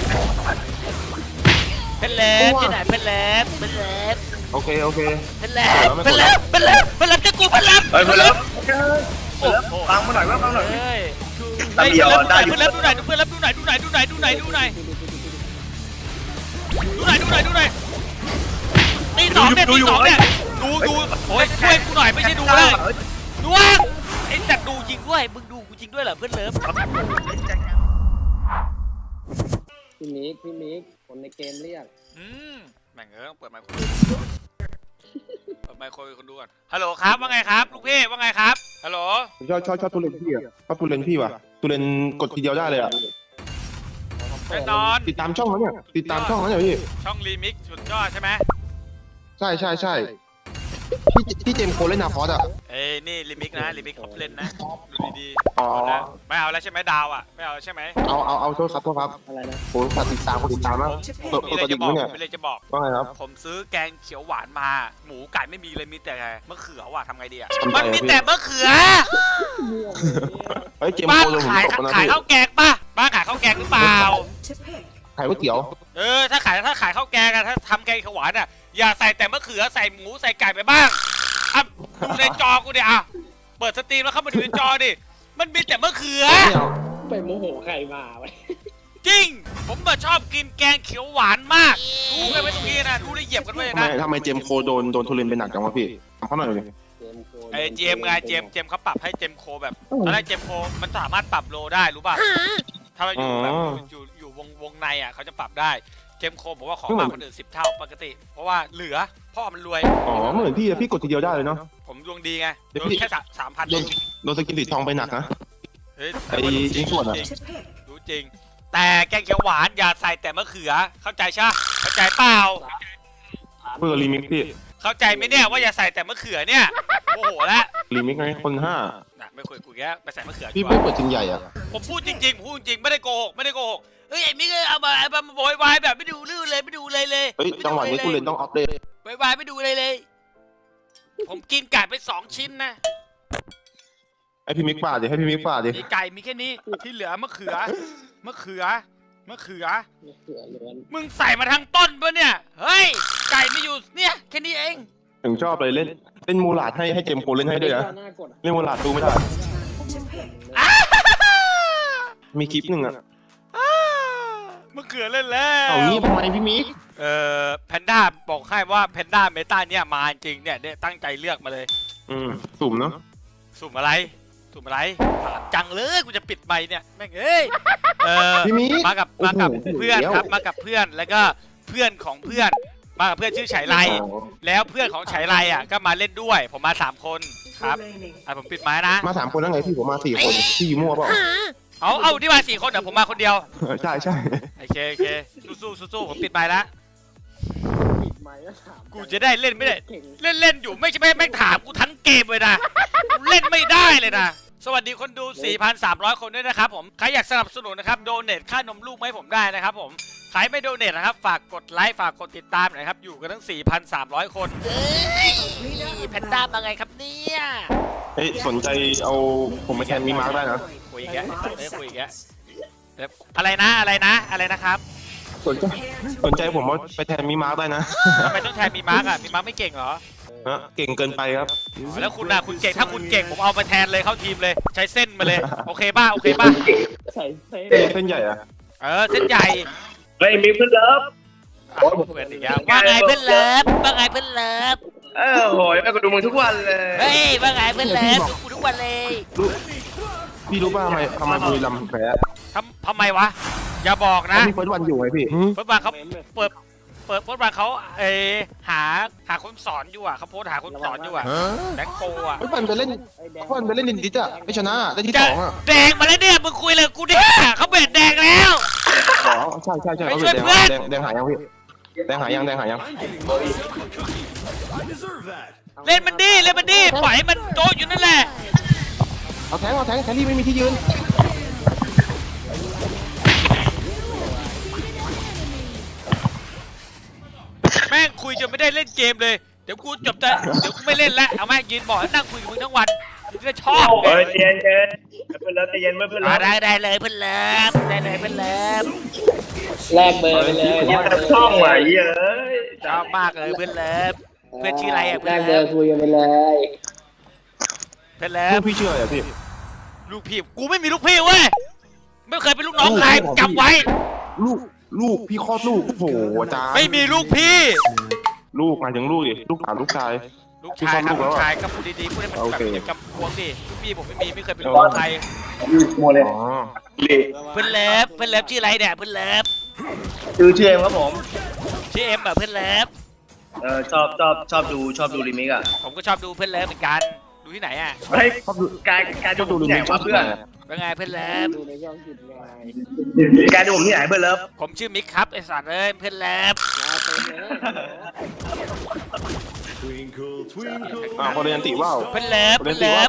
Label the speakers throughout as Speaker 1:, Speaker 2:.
Speaker 1: เพนเล็บที่ไหนเพนเล็บเพนเล็บ
Speaker 2: โอเค
Speaker 1: เพนเล็บเพนเล็บเพนเล็บเพนเล็บจะกูเพนเล็บ
Speaker 3: เฮ้ยเพนเล็บ
Speaker 1: โอ้โห
Speaker 3: ฟังมาหน่อยว่าฟังหน่อย
Speaker 1: เฮ้ย
Speaker 3: ตาเดียวได้อยู่
Speaker 1: เพนเล็บดูหน่อยเพนเล็บดูหน่อยดูหน่อยดูหน่อยดูหน่อยดูหน่อยดูหน่อยดูหน่อยดูหน่อยตีสองเนี่ยตีสองเนี่ยดูโอ้ยช่วยกูหน่อยไม่ใช่ดูเลยดูว่าไอ้จัดดูจริงด้วยมึงดูกูจริงด้วยเหรอเพื่อนเลิฟ
Speaker 4: พี่มิกคนในเกมเรียก
Speaker 1: แม่งเปิดไมค์คุยเปิดไมค์คุยคนดูก่อนฮัลโหลครับว่าไงครับลูกพี่ว่าไงครับฮัลโหล
Speaker 2: ผมชอบตูเลนพี่อ่ะชอบตูเลนพี่ว่ะตูเลนกดทีเดียวได้เลยอ่ะ
Speaker 1: แน่นอน
Speaker 2: ติดตามช่องเขาเนี่ยติดตามช่องเขาเนี่ยพี่
Speaker 1: ช่องรีมิกสุดยอดใช่ไหม
Speaker 2: ใช่พี่เจมส์โคเล่นนาคอสอ่ะ
Speaker 1: เอ้ยนี่รีมิกนะรีมิกเขาเล่นนะดูดี
Speaker 2: อ๋อ
Speaker 1: ๆไม่เอาแล้วใช่ไหมดาวอ่ะไม่เอาใช่ไหม
Speaker 2: เอาโทษครับ
Speaker 4: อะไรนะ
Speaker 2: โอ้ฝากติดตามคนติดตามนะ
Speaker 1: ผมมีอะไรจะบอกผมมีอะไรจะบอก
Speaker 2: ว่าไงครับ
Speaker 1: ผมซื้อแกงเขียวหวานมาหมูไก่ไม่มีเลยมีแต่มะเขือว่ะทำไงดีอ่ะ
Speaker 2: ทำไง
Speaker 1: มันมีแต่มะเขือ
Speaker 2: เฮ้ยเจมส์
Speaker 1: บ้าน
Speaker 2: โคเลยผม
Speaker 1: ขาย
Speaker 2: ตกนะ
Speaker 1: ขาย
Speaker 2: พี่
Speaker 1: ข้าวแกงป่ะบ้านขายข้าวแกงหรือเปล่า
Speaker 2: ขายก๋วยเตี๋ยว
Speaker 1: ถ้าขายข้าวแกงอะถ้าทำแกงเขียวหวานอะอย่าใส่แต่มะเขือใส่หมูใส่ไก่ไปบ้างอ่ะดูในจอกูดิอ่ะเปิดสตรีมแล้วเข้ามาดูในจอดิมันมีแต่มะเขือ
Speaker 4: ไปโมโหใครมาไว้
Speaker 1: จริงผมชอบกินแกงเขียวหวานมากดูกันไว้ตรงนี้นะดูได้เหยียบกันไว้นะ
Speaker 2: ทำไมเจมส์โคโดนทุเรนไปหนักจังวะพี่ทำเขาหน่อยเลย
Speaker 1: ไอ้เจมไงเจมเขาปรับให้เจมโคแบบตอนแรกเจมโคมันสามารถปรับโลได้รู้ป่ะถ้าเราอยู่แบบอยู่วงในอ่ะเขาจะปรับได้เจมโคบอกว่าขอมากกว่าอื่น10 เท่าปกติ เพราะว่าเหลือพ่อมันรวย
Speaker 2: อ๋อเหมือนพี่กดทีเดียวได้เลยเนาะ
Speaker 1: ผมดวงดีไง
Speaker 2: เดี๋ยว
Speaker 1: โดน
Speaker 2: พี่
Speaker 1: แค่3,000
Speaker 2: โดนสกินสีทองไปหนักนะ
Speaker 1: เฮ้ย
Speaker 2: ไอ้ชิ้นส่วนอะ
Speaker 1: รู้จริงแต่แกงเขียวหวานอย่าใส่แต่มะเขือเข้าใจใช่เข้าใจเปล่า
Speaker 2: เพื่อรีมิกพี่
Speaker 1: เข้าใจไหมเนี่ยว่าอย่าใส่แต่มะเขือเนี่ยโอ้โหแล้ว
Speaker 2: รีมิกไงคน5
Speaker 1: น่ะไม่คุยกูแกไปใส่มะเขือดี
Speaker 2: พี่
Speaker 1: ก
Speaker 2: ไม่
Speaker 1: ว่า
Speaker 2: เปิดจริงใหญ่อ่ะ
Speaker 1: ผมพูดจริงไม่ได้โกหกเฮ้ยไอ้มิกเอามาโวยวายแบบไม่ดูลื่นเลยไม่ดูเลย
Speaker 2: เฮ้ยจังหวะนี้ทุเรนต้องอัปเดต
Speaker 1: โวยวายไม่ดูเลย ผมกินไก่ไป2 ชิ้นนะ
Speaker 2: ให้พี่มิกป่าดิให้พี่มิกป่าดิ
Speaker 1: นี่ไก่มีแค่นี้ที่เหลือมะเขือ
Speaker 4: ล้วน
Speaker 1: มึงใส่มาทั้งต้นปะเนี่ยเฮ้ยไก่ไม่อยู่เนี่ยแค่นี้เอง
Speaker 2: ถึงชอบเลยเล่นมูลาดให้เจมส์โคเล่นให้ด้วยนะ
Speaker 4: หน้ากด
Speaker 2: เล่นมูลาดดูไม่ได้มีคลิปหนึ่งอ่ะ
Speaker 1: มะเขือเล่นแล้ว
Speaker 2: เอางี้ทำไมพี่มิก
Speaker 1: แพนด้าบอกให้ว่าแพนด้าเมตาเนี่ยมาจริงเนี่ยตั้งใจเลือกมาเลย
Speaker 2: สุ่มเนาะ
Speaker 1: สุ่มอะไรถามจังเลยกูจะปิดไมค์เนี่ยแม่งเอ้ย
Speaker 2: พี่มิก
Speaker 1: มากับเพื่อนครับมากับเพื่อนแล้วก็เพื่อนของเพื่อนมากับเพื่อนชื่อไฉไลแล้วเพื่อนของไฉไลอ่ะก็มาเล่นด้วยผมมา3 คนครับผมปิดไม้นะ
Speaker 2: มา3 คนแล้วไงพี่ผมมา4 คนพี่มั่วเปล่า
Speaker 1: เอาที่มา4 คนเดี๋ยวผมมาคนเดียว
Speaker 2: ใช่
Speaker 1: โอเคสู้ผมปิดไม้แล้ว
Speaker 4: ปิดไมค์แล้วถาม
Speaker 1: กูจะได้เล่นไม่ได้
Speaker 4: เก่ง
Speaker 1: เล่นอยู่ไม่ใช่แม่งถามกูทั้งเกมเลยนะกูเล่นไม่ได้เลยนะสวัสดีคนดู 4,300 คนด้วยนะครับผมใครอยากสนับสนุนนะครับโดเนทค่านมลูกมาให้ผมได้นะครับผมใครไม่โดเนทนะครับฝากกดไลค์ฝากกดติดตามหน่อยครับอยู่กันทั้ง 4,300 คนเฮ้ยแพนด้ามาไงครับเนี่ย
Speaker 2: เฮ้ยสนใจเอาผมไปแทนมีมาร์กได้นะ
Speaker 1: คุยอีกแล้วคุยอีกแล้วอะไรนะครับ
Speaker 2: สนใจผมว่าไปแทนมีมาร์กได้นะ
Speaker 1: ทำไมต้องแทนมีมาร์กอ่ะมีมาร์กไม่เก่งเหรอ
Speaker 2: เก่งเกินไปครับ
Speaker 1: แล้วคุณนะคุณเก่งถ้าคุณเก่งผมเอามาแทนเลยเข้าทีมเลยใช้เส้นมาเลยโอเคป่ะ
Speaker 4: ใส่เซ่
Speaker 2: เส้นใหญ่อะ
Speaker 1: เส้นใหญ่
Speaker 3: เฮ้ยมีเพื่อนเลิฟ
Speaker 1: เพื่อนอีกแล้วว่าไงเพื่อนเลิฟ
Speaker 3: โหยแม่ก็ดูมึงทุกวันเลย
Speaker 1: เฮ้ยว่าไงเพื่อนเลิฟดูกูทุกวันเลย
Speaker 2: พี่รู้ป่ะทำไมบุรีรัมย์แพ้
Speaker 1: ทำไมวะอย่าบอกนะ
Speaker 2: พี่เฟิร์สวันอยู่ไงพี่
Speaker 1: เฟิร์สวันเขาเปิดเฟิร์สวันเขาหาคนสอนอยู่อ่ะเขาโพสหาคนสอนอยู่อ่ะแบ็คโกอ่ะ
Speaker 2: เฟิร์สวันไปเล่นดินดิสอะไม่ชนะได้ที่
Speaker 1: จะ
Speaker 2: 2อะ
Speaker 1: แดงมาแล้วเนี่ยมึงคุยเลยกูเนี่ยเขาเบ็ดแดงแล้ว
Speaker 2: อ๋อใช่เขาแดงหายังพี่แดงหายัง
Speaker 1: เล่นมันดีปล่อยให้มันโตอยู่นั่นแหละ
Speaker 2: เอาแทงแทรี่ไม่มีที่ยืน
Speaker 1: แม่งคุยจนไม่ได้เล่นเกมเลยเดี๋ยวกูไม่เล่นแล้วเอาแม่งยืนบอกให้นั่งคุยกับมึงทั้งวันจะชอบ
Speaker 3: เฮ้ยเจนเพื่อนเลิฟใจเย็นเพื่อนเลิฟ
Speaker 1: ได้เลยเพื่อนเลิฟได้เลยเพื่อนเลิฟ
Speaker 4: แลกเบอร์ไปเลย
Speaker 3: เนี่ยช่องไหวเอ้ย
Speaker 1: ชอบมากเลยเพื่อนเลิฟเพื่อนชื่ออะไรอ่ะ
Speaker 4: แล
Speaker 1: เพื่อน
Speaker 4: กเบ
Speaker 1: เลิฟ
Speaker 4: อร์คุยกันไปเลย
Speaker 1: เพื่อนเลิ
Speaker 2: ลู
Speaker 1: ฟ
Speaker 2: กพี่ชื่ออะไรอะพี่
Speaker 1: ลูกพี่กูไม่มีลูกพี่เว้ยไม่เคยเป็นลูกน้องใครจำไว้
Speaker 2: ลูกพี่คลอดลูกโอ้โหอาจารย์
Speaker 1: ไม่มีลูกพี่
Speaker 2: ลูกหมายถึงลูกดิลูกสาวลูกชาย
Speaker 1: ลูกชายครับ
Speaker 2: พี่
Speaker 1: ลู
Speaker 2: คลอดลูกแล้ว
Speaker 1: กชายก็พูดดีๆพูดให้มัน
Speaker 2: โอ
Speaker 1: แบบ
Speaker 2: เค
Speaker 1: อย่างกับพวงดิลูกพี่ผมไม่เคยเป็นลูกน้องใคร
Speaker 3: มัวเลย
Speaker 2: อ๋อ
Speaker 1: เพื่อนเลิฟชื่ออะไรเนี่ยเพื่อนเลิฟ
Speaker 3: ชื่อเอ็มครับผม
Speaker 1: ชื่อเอ็มแบบเพื่อนเลิฟ
Speaker 3: ชอบดูรีมิกอ่ะ
Speaker 1: ผมก็ชอบดูเพื่อนเลิฟเหมือนกันดูที่ไหนอ่ะ
Speaker 3: เฮ้ยการดูที่ไหนวะเพื่อน
Speaker 1: เป็นไงเพื่อนเลิฟ
Speaker 4: ดูในช่องจิตไง
Speaker 3: การดูผมที่ไหนเพื่อนเลิฟ
Speaker 1: ผมชื่อมิกครับไอสัตว์เอ้ยเพื่อนเลิฟ
Speaker 4: มาเต็มเลย
Speaker 2: คนเรียนติว่าว
Speaker 1: เพื่อนเลิฟ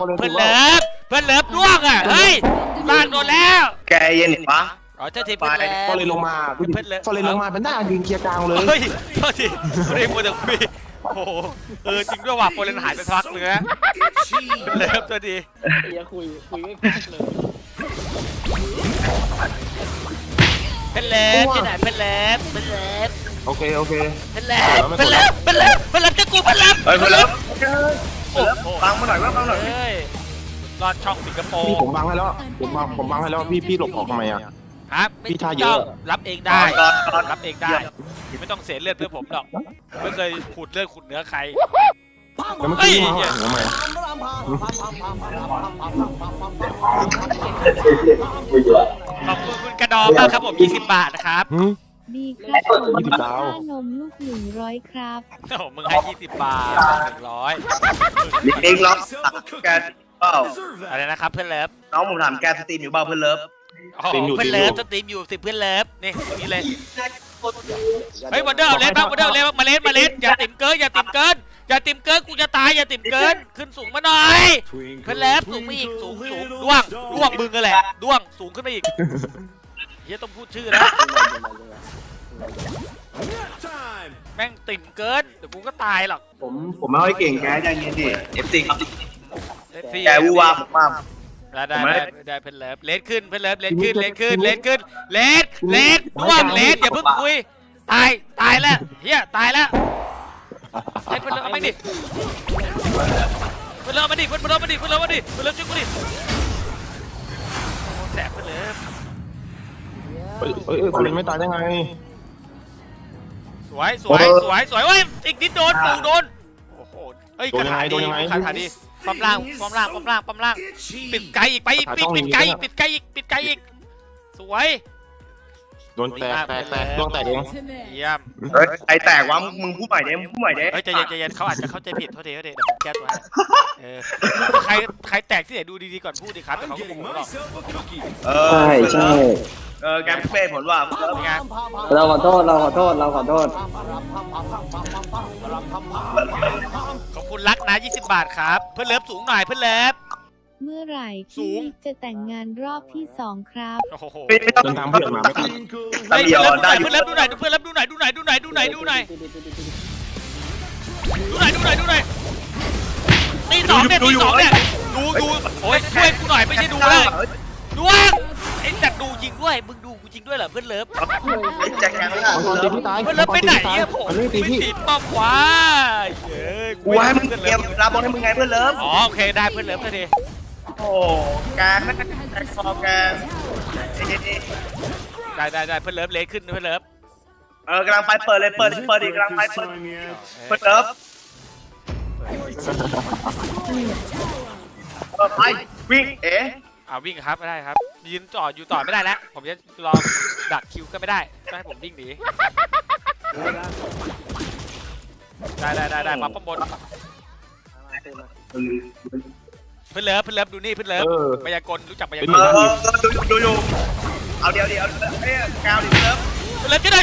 Speaker 1: ล่วงอ่ะเฮ้ยลากโดนแล้ว
Speaker 3: แกเย็นปะ
Speaker 1: อ๋อเจ้าทีเพื่อนเลิฟ
Speaker 2: พอเลยลงมาพอเลยลงมาเป็นหน้ายืนเคลียร์กลางเลย
Speaker 1: เฮ้ยโทษทีไม่ได้มัวแต่คุยโอ้โหจริงด้วยว่ะโปรเลนหายไปพักเลยนะเลิฟตัวดี
Speaker 4: เฮียคุยไม่พักเลย
Speaker 1: เพื่อนเลิฟที่ไหนเพื่อนเลิฟ
Speaker 2: โอเค
Speaker 1: เพื่อนเลิฟจะกูเพื่อนเลิฟ
Speaker 3: เฮ้ยเพื่อนเลิฟ
Speaker 1: โอ้โห
Speaker 3: ฟังมาหน่อยว่าฟังหน่อย
Speaker 1: เฮ้ยรอดช่องสิงคโปร์
Speaker 2: พี่ผมบังให้แล้วผมบังให้แล้วพี่หลบออกทำไมอ่ะ
Speaker 1: ครับ
Speaker 2: พี่ท่าเยอะ
Speaker 1: รับเองได้รับเองได้ไม่ต้องเสียเลือดเพื่อผมหรอกไม่เคยขูดเลือดขูดเนื้อใคร
Speaker 2: แล้วเมื่อกี้มาทำไม
Speaker 1: ขอบคุณคุณกระดองมากครับผม20 บาทนะครับ
Speaker 5: ดีครับผม
Speaker 2: 20 ดาว
Speaker 5: ค่านมลูก100ครับ
Speaker 1: โอ้โหมึงให้20 บาท100
Speaker 3: รีมิกล็อกแกเปล่า
Speaker 1: อะไรนะครับเพื่อนเลิฟ
Speaker 3: น้องผมถามแกสตรีมอยู่เปล่าเพื่อนเลิฟ
Speaker 1: โอ้โหเพื่อนเลิฟสตรีมอยู่10เพื่อนเลิฟนี่ตรงนี้เลยเฮ้ยวันเดอร์เลสบ้างวันเดอร์เลสบ้างมาเลสอย่าติ่มเกินกูจะตายอย่าติ่มเกินขึ้นสูงมาหน่อยเพื่อนเลิฟสูงไปอีกสูงด้วงมึงกันแหละด้วงสูงขึ้นไปอีกเฮียต้องพูดชื่อนะแม่งติ่มเกินเดี๋ยวกูก็ตายหรอก
Speaker 3: ผมไม่ค่อยเก่งแกใจเย็นดิเอฟซีครับ
Speaker 1: ซี่
Speaker 3: แกวูวาผมว่า
Speaker 1: ได้เพื่อนเลิฟเลสขึ้นเพื่อนเลิฟเลสขึ้นเลสด้วงเลสอย่าเพิ่งคุยตายแล้วเฮียตายแล้วไอ้เพื่อนเลิฟเอาไม่ดิเพื่อนเลิฟมาดิช่วยกูดิแสบเพื่อนเลิฟ
Speaker 2: คนเรียนไม่ตายได้ไง
Speaker 1: สวยเว้ยอีกนิดโดนปูโดนโอ้โหเฮ้ยคาถาดีปั๊มล่างปิดไกลอีกปิดไกลอีกสวย
Speaker 2: โดนแตกดวงแตกเอง
Speaker 1: เยี่ยม
Speaker 3: เฮ้ยใครแตกวะมึงพูดใหม่เด้พูดใหม่เด้
Speaker 1: เฮ้ยใจเย็นเขาอาจจะเข้าใจผิดโทษทีเดี๋ยวผมแก้ตัวใครแตกที่ไหนดูดีๆก่อนพูดดิครับเขาก็โมโหหรอก
Speaker 4: ใช่
Speaker 3: แกเป้ผลว่า
Speaker 1: เป็นไง
Speaker 4: เราขอโทษ
Speaker 1: ขอบคุณรักนะ20 บาทครับเพื่อนเลิฟสูงหน่อยเพื่อนเลิฟ
Speaker 5: เมื่อไหร่
Speaker 1: สู
Speaker 5: พี่
Speaker 1: ง
Speaker 5: มิกจะแต่งงานรอบที่2ครับ
Speaker 1: โอ้โห
Speaker 3: ไม่ต้อง
Speaker 2: เดินทางเพื่อนมาไม่ทัน
Speaker 3: ตาเดียวได้อยู่
Speaker 1: เพื่อนเลิฟดูหน่อยดูหน่อยตีสองเนี่ยดูโอ้ยช่วยกูหน่อยไม่ใช่ดูเลยดวงไอ้จัดดูจริงด้วยมึงดูกูจริงด้วยเหรอเพื่อนเลิฟ
Speaker 3: แจ็คแกไม่ได้
Speaker 2: ตีพี่ตาย
Speaker 1: เพื่อนเลิฟไปไหนเนี่ยผม
Speaker 2: มันไม่ตี
Speaker 1: ไม่
Speaker 2: พี่
Speaker 1: ติดป้อมขวาเย้ย
Speaker 3: กูให้มึงเตรียมรับบอลให้มึงไงเพื่อนเลิฟ
Speaker 1: อ๋อโอเคได้เพื่อนเลิฟก็ดี
Speaker 3: โอ้แกไม่แจ็คคอแก
Speaker 1: ได้เพื่อนเลิฟเลสขึ้นเพื่อนเลิฟ
Speaker 3: กำลังไปเปิดเลยเปิดอีกกำลังไปเปิดเลิฟไปวิ่ง
Speaker 1: วิ่งครับไม่ได้ครับยืนต่ออยู่ต่อไม่ได้แล้วผมจะรอดักคิวก็ไม่ได้ต้องให้ผมวิ่งหนีได้มาป้อมบนเพื่อนเลิฟดูนี่เพื่อนเลิฟมายากลรู้จักมายากล
Speaker 3: ดูเอาเดี๋ยวเอ้ยกาวดิเลิฟ
Speaker 1: เพื่อนเลิฟช่วย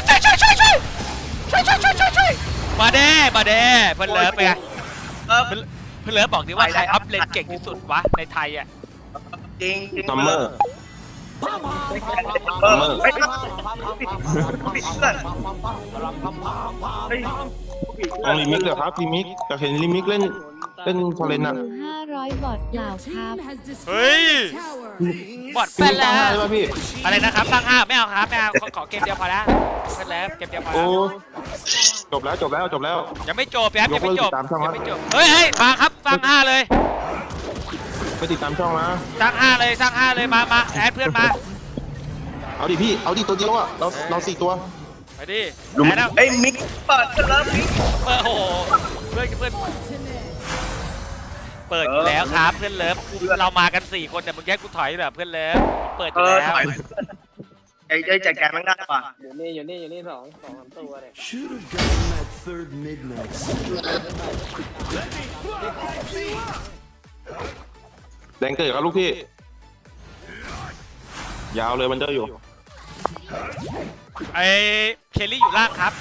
Speaker 1: มาเด้เพื่อนเลิฟไปไงเพื่อนเลิฟบอกดิว่าใครอัพเลนเก่งที่สุดวะในไทยอ่ะ
Speaker 3: จริง
Speaker 2: ซัมเมอร์
Speaker 3: ไม่ต้องปิดเพื่อน
Speaker 2: ต้องรีมิกเลยครับรีมิกอยากเห็นรีมิกเล่นเล่นฟอร์เรนอะ
Speaker 5: คือ500 บอทเปล่าครับ
Speaker 1: เฮ้ยบอด
Speaker 2: พี่
Speaker 1: แป้น
Speaker 2: ตั้ง
Speaker 1: แล้ว
Speaker 2: ได้ป่ะพี่
Speaker 1: อะไรนะครับตั้ง5ไม่เอาครับไม่เอาขอเกมเดียวพอแล้วเพื่อนแล้วเกมเดียวพอ
Speaker 2: โอ้
Speaker 1: แล้ว
Speaker 2: จบแล้ว
Speaker 1: ยังไม่จบครับยังไม่จบ
Speaker 2: ยกเลิกติดตามช่อง
Speaker 1: ยั
Speaker 2: วะ
Speaker 1: งไม่จบเฮ้ยฟังครับสร้าง5เลย
Speaker 2: ไปติดตามช่องนะ
Speaker 1: สร้าง5เลยสร้าง5เลยมาแอดเพื่อนมา
Speaker 2: เอาดิพี่เอาดิตัวเดียวอะเรา4 ตัว
Speaker 1: ไปดิ
Speaker 3: ดู
Speaker 1: แอดแล้ว
Speaker 3: ไอ้มิกเปิดกันแล้วมิก
Speaker 1: โอ้โหเพื่อนเปิดอยู่แล้วครับเพื่อนเลิฟเรามากัน4คนแต่มึงแค่กูถอยแบบเพื่อนเลิฟเปิดอยู่แล้ว
Speaker 3: ถอยไอ้จัดการมันได้ป่ะ
Speaker 4: อยู่นี่สองสามตัวเนี่ย
Speaker 6: Should have gotten that third midnight.
Speaker 2: แดงเกิดครับลูกพี่ ยาวเลยมันเดอร์อยู่
Speaker 1: ไอ้เคลลี่อยู่ล่างครับ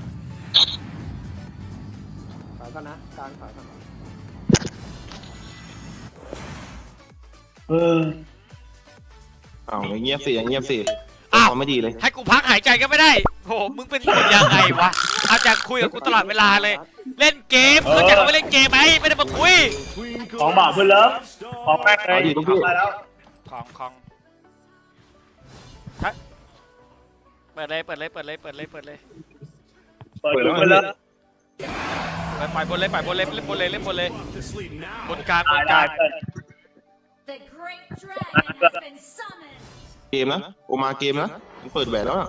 Speaker 4: ขายก่อนนะกลางขายก่อน
Speaker 2: อ้าวเงียบสิเงียบสิ
Speaker 1: อ้าว
Speaker 2: เขาไม่ดีเลย
Speaker 1: ให้กูพักหายใจก็ไม่ได้โหมึงเป็นคนยังไงวะเอาจากคุยกับกูตลอดเวลาเลย เล่นเกมเข้าใจว่าเล่นเกมไหมไม่ได้มาคุย
Speaker 3: ของบ่าวเพื่อนเลิฟของแม่เลยมาแล้ว
Speaker 1: ของฮะเปิดเลย
Speaker 3: เปิดเลย
Speaker 1: ปล่อยบนเลยเล่นบนเลยเล่นบนเลยบนกลางบนกลาง
Speaker 7: The great dragon has been summoned.
Speaker 2: เกมนะโอมาเกมนะมันเปิดแหวนแล้วอะ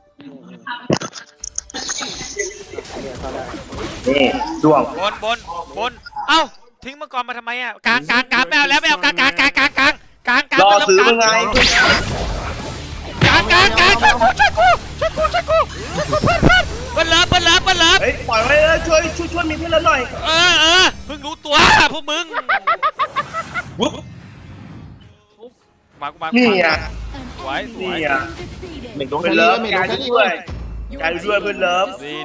Speaker 3: นี่ดวง
Speaker 1: บนเอ้าทิ้งมังกรมาทำไมอ่ะกลางไม่เอาแล้วไม่เอากลาง
Speaker 3: รอซื้อมึงไง
Speaker 1: กลางช่วยกูเปิ้ลเลิฟ
Speaker 3: เฮ้ยปล่อยไว้เลยช่วยมีเพื่อนแล้วหน่อย
Speaker 1: เพิ่งรู้ตัวพวกมึง
Speaker 3: วุ๊บ
Speaker 1: มา
Speaker 3: นี่อ่ะ
Speaker 1: สวย
Speaker 3: นี่อ่ะ
Speaker 2: เม็ดโดน
Speaker 3: เพื่
Speaker 2: แค่
Speaker 3: อน
Speaker 2: นี้
Speaker 3: เลิฟ
Speaker 2: เม็ดโด
Speaker 3: กาน ร
Speaker 2: แค่นี้
Speaker 3: ช่วยการช่วยเพื่อนเลิฟ
Speaker 1: ดี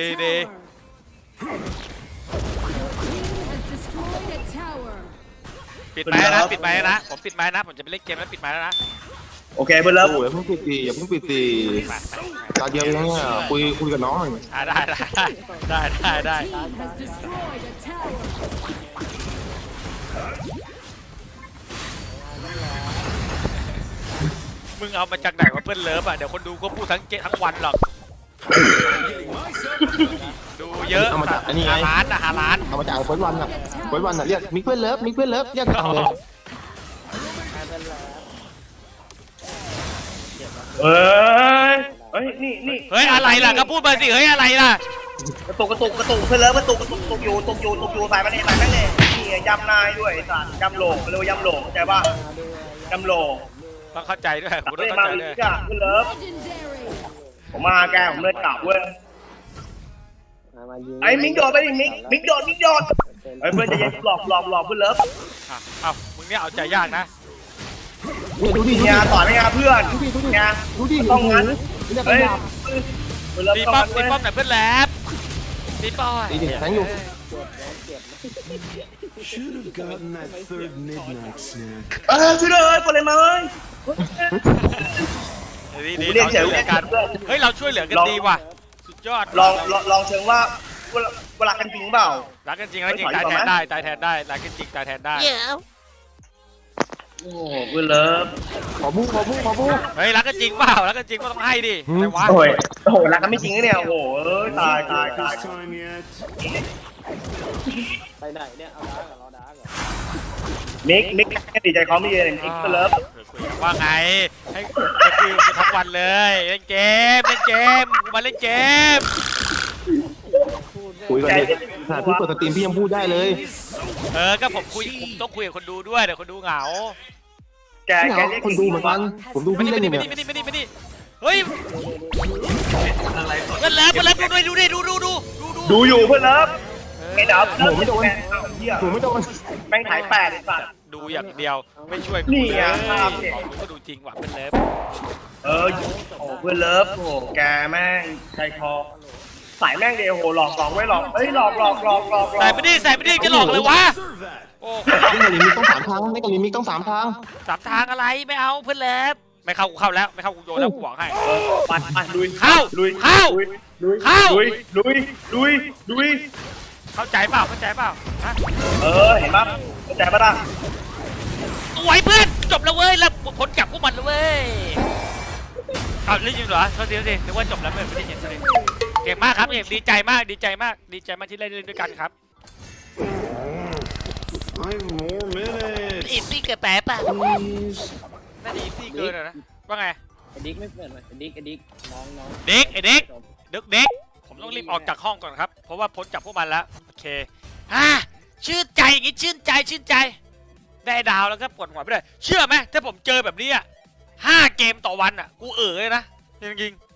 Speaker 1: ปิดไม้นะผมปิดไม้นะผมจะไปเล่นเกมแล้วปิดไม้แล้วนะ
Speaker 3: โอเคเพื่อนเลิฟ
Speaker 2: โอ้ยอย่าเพิ่งปิดตีตาเดียวยังเนี่ยคุยกับน้องหน่อย
Speaker 1: ได้ มึงเอามาจากไหนวะเพื่อนเลิฟอ่ะเดี๋ยวคนดูก็พูดทั้งวันหรอกดูเยอะ5 ล้าน
Speaker 2: เอามาจากเฟิร์สวันอะเรียกมิกเพื่อนเลิฟเรียกทางเลย
Speaker 3: เฮ้ยนี่
Speaker 1: เฮ้ยอะไรล่ะก็พูดมาสิเฮ้ยอะไรล่ะ
Speaker 3: กระตุกเพื่อนเลิฟกระตุกอยู่สายมันเองสายแม่งเลยนี่ยำนายด้วยสัตว์ยำโหลเรียกว่ายำโหลเข้าใจป่ะยำโหล
Speaker 1: ต้องเข้าใจด้วยกูต้อ
Speaker 3: ไม่
Speaker 1: ง
Speaker 3: มา
Speaker 1: เข้าใจ
Speaker 3: อี
Speaker 1: ด้วย
Speaker 3: กอ่ะเพื่อนเลิฟผมมาแกผมเลยกลับเว้ย
Speaker 4: มายิง
Speaker 3: ไอ้มิกโดดไปดิมิกโดดไอ้เพื่อนจะยังหลอกเพื่อนเลิฟ
Speaker 1: เอ้ามึงเนี่ยเอาใจยากนะ
Speaker 2: ดูดิ
Speaker 3: งานต่อไม่งานเพื่อนงาน
Speaker 2: ดูดิ
Speaker 3: ต้องงั้น
Speaker 2: เนี่ย
Speaker 3: เฮ้ย
Speaker 2: เป็น
Speaker 3: เพื่อนเลิฟ
Speaker 1: ตี
Speaker 3: ต้อง
Speaker 1: ป้อม
Speaker 3: งั้น
Speaker 1: หน่อยเพื่อนแลบตีป้อม
Speaker 2: ตีดิแทงอยู่
Speaker 6: Should have gotten that third midnight snack.
Speaker 3: ช่วยเลยคนเลยมาเฮ้ย
Speaker 1: ดีเราช่วยเหลือกันเฮ้ยเราช่วยเหลือกันดีว่ะสุดยอด
Speaker 3: ลองเชิงว่าเวลากันจริงเปล่า
Speaker 1: รักกันจริงตายแทนได้รักกันจริงตายแทนได้
Speaker 3: โอ้เพื่อนเลิฟ
Speaker 2: ขอบู
Speaker 1: เฮ้ยรักกันจริงเปล่ารักกันจริงก็ต้องให้ดิอะไรวะ
Speaker 3: โอ้โหรักกันไม่จริงเนี่ยโอ้โหตาย
Speaker 6: This time yet?
Speaker 4: ไปไหนเนี่ยเอาดาร์กรอดาร์กเหรอ
Speaker 3: มิกดีใจเขาไม่เย็นมิกเพื่อนเลิฟ
Speaker 1: ว่าไงให้คุยกันทั้งวันเลยเล่นเกมมาเล่นเกม
Speaker 2: คุยกันดิขนาดพี่เปิดสตรีมพี่ยังพูดได้เลย
Speaker 1: ก็ผมต้องคุยกับคนดูด้วยเดี๋ยวคนดูเหงา
Speaker 3: แก
Speaker 2: เนี่ย
Speaker 3: เรียก
Speaker 2: คนดูเหมือนกันผมดูพี่เล่นอยู่เนี่ย
Speaker 1: เฮ้ยเพื่อนแล้วดูดิดู
Speaker 3: ดูอยู่เพื่อนเลิฟไม่ดับ
Speaker 2: หนูไม่โดน แม่งถ่าย
Speaker 3: แม่งถ่าย8ไอ้สัตว์
Speaker 1: ดูอย่างเดียวไม่ช่วยกู
Speaker 3: นี่
Speaker 1: เลย
Speaker 3: ไงภาพเนี่ย
Speaker 1: ของกูก็ดูจริงว่ะเพื่อนเลิฟ
Speaker 3: โอ้เพื่อนเลิฟโอ้แกแม่งใจคอสายแม่งเดียวโหหลอกไว้หลอกเฮ้ยหลอก
Speaker 1: ใส่ไม่ดีจะหลอกเลยวะ
Speaker 6: Serve that.
Speaker 1: โอ้
Speaker 2: เล่นกับลิมิกต้อง3 ทางเล่นกับลิมิกต้อง3 ทาง
Speaker 1: สามทางอะไรไม่เอาเพื่อนเลิฟไม่เข้ากูเข้าแล้วไม่เข้ากูโยนแล้วกูบอกให้
Speaker 3: ไปลุย
Speaker 1: เข้า
Speaker 3: ลุย
Speaker 1: เข้า
Speaker 3: ลุย
Speaker 1: เข้า
Speaker 3: ลุย
Speaker 1: เข้าใจเปล่าฮะ
Speaker 3: เห็นปะเข้าใจปะล่ะ
Speaker 1: สวยเพื่อนจบแล้วเว้ยแล้วผลจับพวกมันแล้วเว้ยเอาเล่นจริงเหรอโทษทีนึกว่าจบแล้วไม่ได้เห็นเลยเก่งมากครับเก่งดีใจมากที่เล่นด้วยกันครับ
Speaker 6: 5 more minutes.
Speaker 1: อีซี่เกินแป๊บป่ะ
Speaker 6: Please.
Speaker 1: น่าจะอีซี่เกินนะว่าไง
Speaker 4: ไอ้ดิ๊กไม่เปิดมาไอ้ดิ๊กน้อง
Speaker 1: เด็กไอเด็ก
Speaker 4: จบ
Speaker 1: เด็กผมต้องรีบออกจากห้องก่อนครับเพราะว่าพ้นจากพวกมันแล้วโอเคชื่นใจอย่างงี้ชื่นใจได้ดาวแล้วก็ปวดหัวไปเลยเชื่อไหมถ้าผมเจอแบบนี้5 เกมต่อวันอ่ะกูเลยนะจริงๆ